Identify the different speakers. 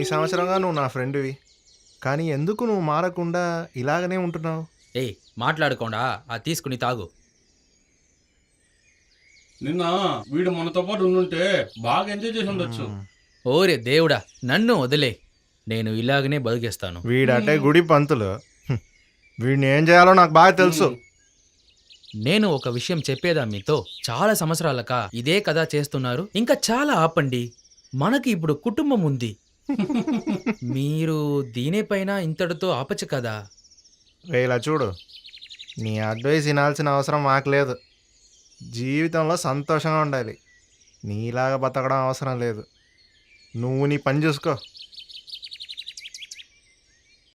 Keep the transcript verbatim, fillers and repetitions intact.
Speaker 1: సంవత్సరంగా నువ్వు నా ఫ్రెండ్వి, కానీ ఎందుకు నువ్వు మారకుండా ఇలాగనే ఉంటున్నావు?
Speaker 2: ఏయ్ మాట్లాడకుండా ఆ తీసుకుని తాగు.
Speaker 3: నిన్న వీడు మనతో పాటు ఉండుంటే బాగా ఎంజాయ్ చేసి ఉండొచ్చు.
Speaker 2: ఓరే దేవుడా, నన్ను వదిలే, నేను ఇలాగనే బతికేస్తాను.
Speaker 1: వీడంటే గుడి పంతులు. హ్మ్. వీడిని ఏం చేయాలో నాకు బాగా తెలుసు.
Speaker 2: నేను ఒక విషయం చెప్పేదా మీతో, చాలా సంవత్సరాలక ఇదే కదా చేస్తున్నారు. ఇంకా చాలా ఆపండి, మనకి ఇప్పుడు కుటుంబం ఉంది. మీరు దీనిపైన ఇంతటితో ఆపచ్చు కదా.
Speaker 1: రే ఇలా చూడు, నీ అడ్వైస్ వినాల్సిన అవసరం మాకు లేదు. జీవితంలో సంతోషంగా ఉండాలి, నీలాగా బతకడం అవసరం లేదు. నువ్వు నీ పని చూసుకో.